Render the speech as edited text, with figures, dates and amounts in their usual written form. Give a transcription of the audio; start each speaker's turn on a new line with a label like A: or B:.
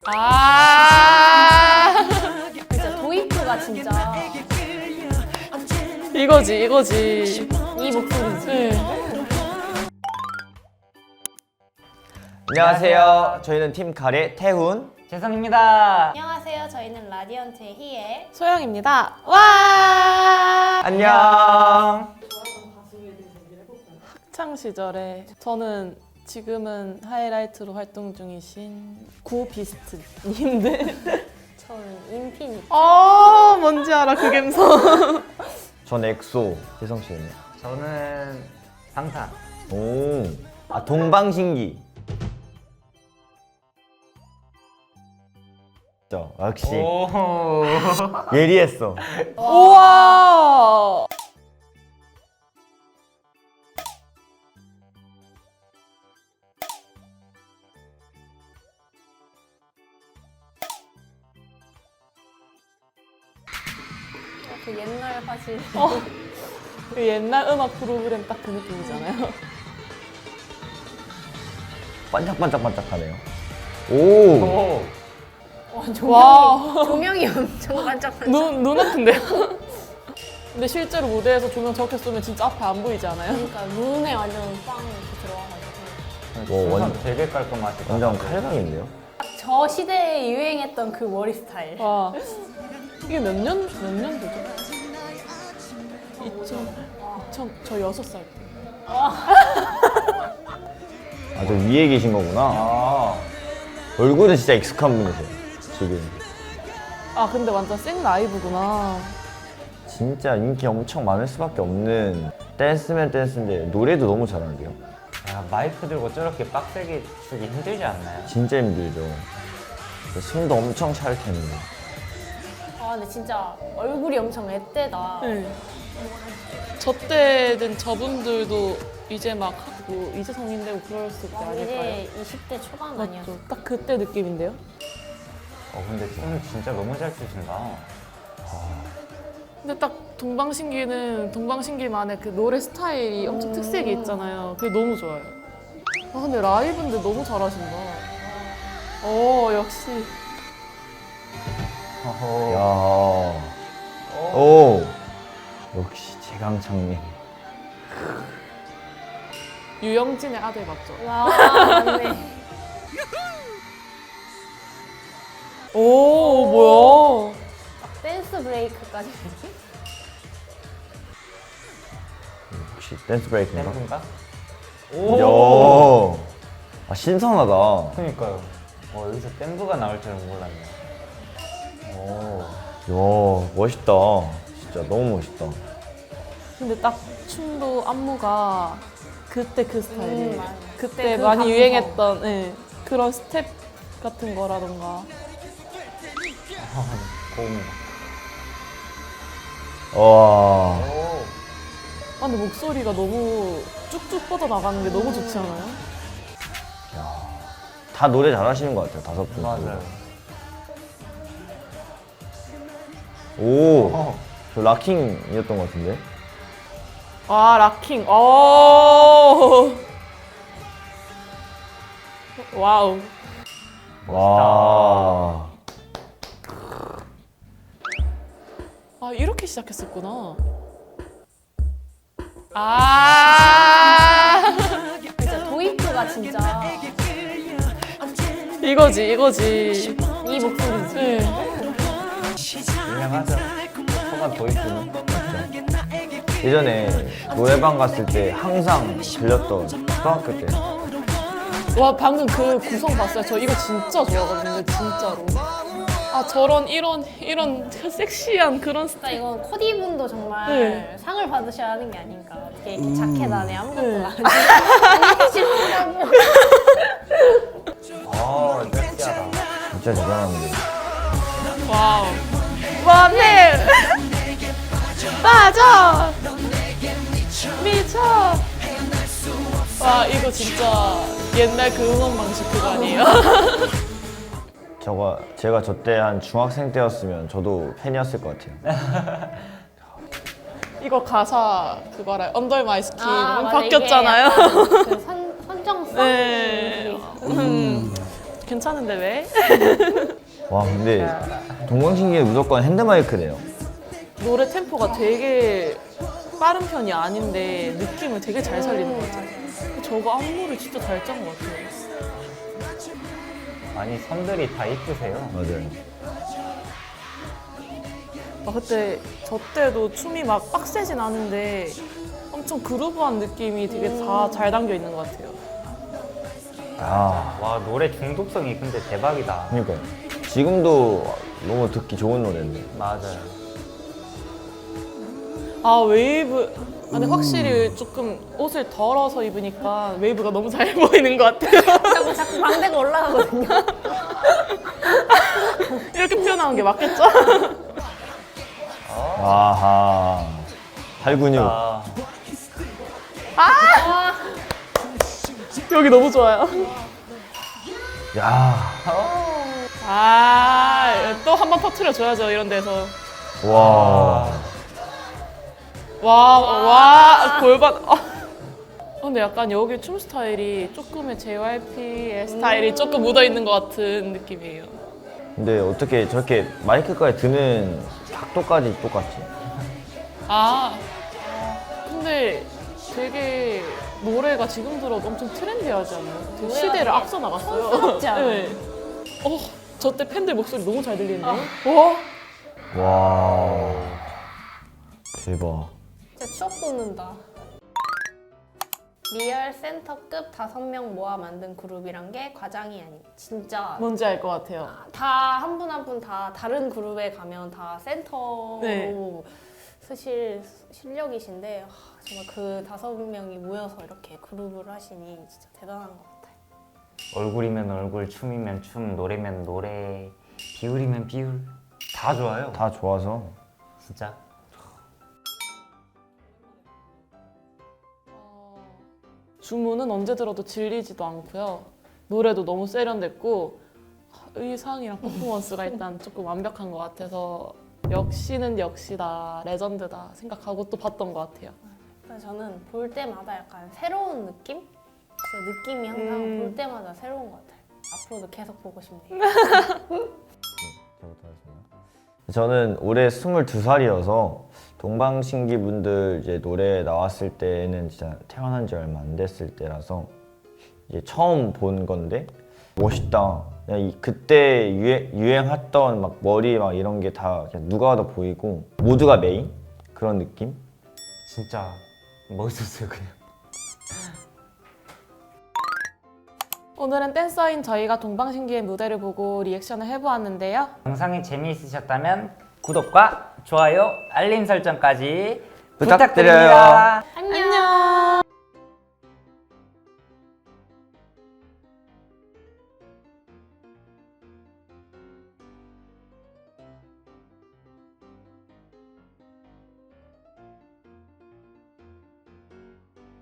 A: 진짜 도입부가 진짜
B: 이거지.
A: 이 목소리지.
B: 네.
C: 안녕하세요. 저희는 팀 가래 태훈.
D: 재성입니다.
A: 안녕하세요. 저희는 라디언트의 희애.
B: 소영입니다. 와!
C: 안녕.
B: 학창 시절에 저는 지금은 하이라이트로 활동 중이신 구비스트님들.
A: 저는 인피니트.
B: 뭔지 알아 그 감성.
C: 전 엑소. 재성 씨는요?
D: 저는 방탄.
C: 오. 동방신기. 역시
D: 오.
C: 예리했어.
B: 우와.
A: 그 옛날 사실.
B: 그 옛날 음악 프로그램 딱 그 느낌이잖아요.
C: 반짝반짝반짝하네요. 오.
D: 오.
B: 와.
A: 조명이 엄청 반짝반짝.
B: 눈 아픈데요? 근데 실제로 무대에서 조명 저렇게 쏘면 진짜 앞에 안 보이지 않아요?
A: 그러니까 눈에 완전 빵 이렇게 들어와가지고.
C: 와,
D: 완전
C: 완전-
D: 되게 깔끔하시다.
C: 완전 칼각인데요?
A: 저 시대에 유행했던 그 머리 스타일.
B: 와. 이게 몇 년도죠? 2000, 저 6살 때.
C: 저 위에 계신 거구나.
D: 아.
C: 얼굴은 진짜 익숙한 분이세요. 지금.
B: 근데 완전 생 라이브구나.
C: 진짜 인기 엄청 많을 수밖에 없는 댄스면 댄스인데 노래도 너무 잘하는데요.
D: 야, 마이크 들고 저렇게 빡세게 추기 힘들지 않나요?
C: 진짜 힘들죠. 숨도 엄청 찰 텐데.
A: 근데 진짜 얼굴이 엄청 앳되다.
B: 네. 저 때는 저분들도 이제 막 하고 이제 성인 되고 그랬을 때 아닐까요?
A: 이제 20대 초반 아니었어?
B: 맞죠? 딱 그때 느낌인데요?
D: 근데 오늘 진짜 너무 잘 추신다.
B: 근데 딱 동방신기는 동방신기만의 그 노래 스타일이 엄청 특색이 있잖아요. 그게 너무 좋아요. 근데 라이브인데 너무 잘하신다. 역시.
D: 어허.
C: 야. 오. 역시 최강창민.
B: 유영진의 아들 맞죠?
A: 와, 맞네.
B: 뭐야?
A: 댄스 브레이크까지.
C: 혹시 댄스 브레이크인가?
D: 댄스인가?
C: 이야. 신선하다.
D: 그니까요. 여기서 댄브가 나올 줄은 몰랐네. 오.
C: 이야, 멋있다. 진짜 너무 멋있다.
B: 근데 딱 춤도 안무가 그때 그 스타일이에요.
A: 맞아.
B: 그때
A: 그
B: 많이
A: 감성.
B: 유행했던 그런 스텝 같은 거라던가.
D: 고음.
C: 와.
D: 오.
B: 근데 목소리가 너무 쭉쭉 뻗어나가는 게 너무 좋지 않아요?
C: 다 노래 잘하시는 것 같아요, 다섯 분.
D: 맞아요.
C: 오. 저 락킹이었던 것 같은데?
B: 락킹. 와우.
C: 와.
B: 이렇게 시작했었구나.
A: 진짜 도입부가 진짜
B: 이거지.
A: 이 목소리지.
B: 네.
D: 유명하죠. 소가 도입부는.
C: 예전에 노래방 갔을 때 항상 들렸던 초등학교 때.
B: 와, 방금 그 구성 봤어요? 저 이거 진짜 좋아하거든요, 진짜로. 저런 이런 섹시한 그런
A: 진짜
B: 스타일.
A: 이건 코디분도 정말
B: 네.
A: 상을 받으셔야 하는 게 아닌가. 어떻게 이렇게 자켓 안에 아무것도
B: 네.
A: 안 하시고.
D: 섹시하다.
C: 진짜 대단한데.
B: 와우. 원해! 빠져! 미쳐! 와, 이거 진짜 옛날 그 응원 방식 그거 아니에요?
C: 제가 저 때 한 중학생 때였으면 저도 팬이었을 것 같아요.
B: 이거 가사 그거 알아요? Under My Skin
A: 맞아.
B: 바뀌었잖아요.
A: 이게 약간 그 선정성?
B: 네. 괜찮은데 왜?
C: 와 근데 동방신기는 무조건 핸드마이크래요.
B: 노래 템포가 되게 빠른 편이 아닌데 느낌을 되게 잘 살리는 것 같아요. 저거 안무를 진짜 잘 짠 것 같아요.
D: 아니 선들이 다 이쁘세요.
C: 맞아요.
B: 그때 저 때도 춤이 막 빡세진 않은데 엄청 그루브한 느낌이 되게 다 잘 담겨 있는 것 같아요.
C: 아
D: 와 노래 중독성이 근데 대박이다.
C: 그러니까요. 지금도 너무 듣기 좋은 노래인데.
D: 맞아요.
B: 아 웨이브. 근데 확실히 조금 옷을 덜어서 입으니까 웨이브가 너무 잘 보이는 것 같아요.
A: 자꾸 광대가 올라가거든요.
B: 이렇게 표현하는 게 맞겠죠?
C: 아하. 팔 근육.
D: 아,
B: 여기 너무 좋아요.
C: 야.
B: 또 한 번 터트려줘야죠 이런 데서.
C: 와.
B: 와, 골반. 근데 약간 여기 춤 스타일이 조금의 JYP의 스타일이 조금 묻어있는 것 같은 느낌이에요.
C: 근데 어떻게 저렇게 마이크까지 드는 각도까지 똑같지?
B: 근데 되게 노래가 지금 들어도 엄청 트렌디하지 않나요? 되게 시대를 앞서 나갔어요.
A: 촌스럽지 않아요?
B: 네. 저 때 팬들 목소리 너무 잘 들리는데?
C: 와. 대박.
A: 진짜 추억 돋는다. 리얼 센터급 5명 모아 만든 그룹이란 게 과장이 아닌 진짜
B: 뭔지 알 것 같아요.
A: 다 한 분 한 분 다 다른 그룹에 가면 다 센터로
B: 네.
A: 쓰실 실력이신데 정말 그 5명이 모여서 이렇게 그룹을 하시니 진짜 대단한 것 같아요.
D: 얼굴이면 얼굴, 춤이면 춤, 노래면 노래, 비율이면 비율 다 좋아요.
C: 다 좋아서.
D: 진짜.
B: 주문은 언제 들어도 질리지도 않고요. 노래도 너무 세련됐고 의상이랑 퍼포먼스가 일단 조금 완벽한 것 같아서 역시는 역시다, 레전드다 생각하고 또 봤던 것 같아요.
A: 그래서 저는 볼 때마다 약간 새로운 느낌? 진짜 느낌이 항상 볼 때마다 새로운 것 같아요. 앞으로도 계속 보고 싶네요.
C: 저는 올해 22살이어서 동방신기 분들 이제 노래 나왔을 때는 진짜 태어난 지 얼마 안 됐을 때라서 이제 처음 본 건데 멋있다. 그냥 그때 유행했던 막 머리 막 이런 게 다 그냥 누가 봐도 보이고 모두가 메인 그런 느낌?
D: 진짜 멋있었어요 그냥.
B: 오늘은 댄서인 저희가 동방신기의 무대를 보고 리액션을 해보았는데요.
D: 영상이 재미있으셨다면 구독과 좋아요, 알림 설정까지
C: 부탁드려요.
D: 부탁드립니다.
A: 안녕!